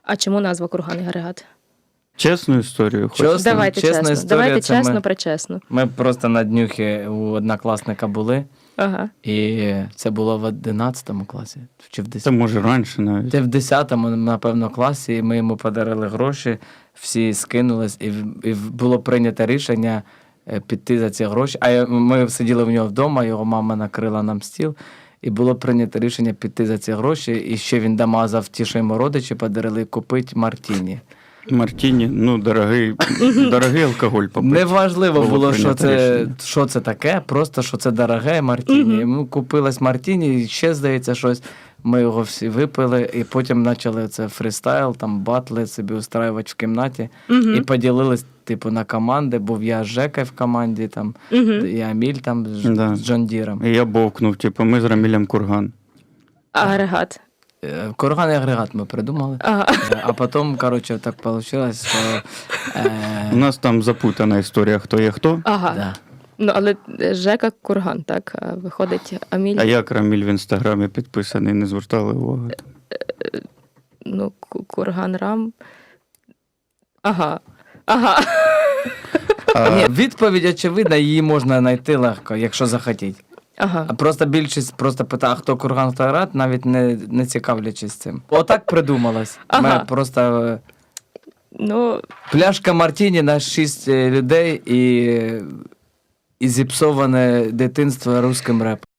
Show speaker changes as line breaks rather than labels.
А чому назва курган і агрегат?
Чесну історію хочеш?
Чесно,
Давайте
чесна
чесно.
історія,
Давайте
це
чесно,
ми-
причесно.
Ми просто на днюхі у однокласника були,
Ага.
і це було в 11 класі, чи в
Це
10.
може раніше навіть.
Це в 10-му, напевно, класі, і ми йому подарили гроші, всі скинулись, і було прийнято рішення піти за ці гроші. Ми сиділи в нього вдома, його мама накрила нам стіл, і було прийнято рішення піти за ці гроші, і ще він домазав ті, що йому родичі подарили, купити мартіні.
Мартіні, ну, дорогий алкоголь попити.
Неважливо було,
прийнято рішення.
що це таке, просто що це дороге мартіні. Йому купилось мартіні, і ще, здається, щось. Ми його всі випили, і потім почали це фрістайл, там батли собі устраювати в кімнаті. І поділились, типу, на команди. Був я з Жекою в команді, там, і Аміль там
Да.
з Джон Діром.
І я бовкнув, типу, ми з Рамілем курган.
Агрегат.
Курган і агрегат ми придумали.
Ага.
А потім, коротше, так вийшло, що...
У нас там запутана історія, хто є хто.
Ага.
Да.
Ну, але Жека курган, так? А виходить Аміль.
А як Раміль в інстаграмі підписаний, не звертали уваги.
Ну, курган Рам. Ага. Ага.
Ні, відповідь очевидна, її можна знайти легко, якщо захотіть.
Ага.
А просто більшість просто питає, а хто курган, хто агрегат, навіть не цікавлячись цим. Отак придумалось.
Ага.
Ми просто
Ну,
пляшка мартіні на 6 людей і зіпсоване дитинство русським репом.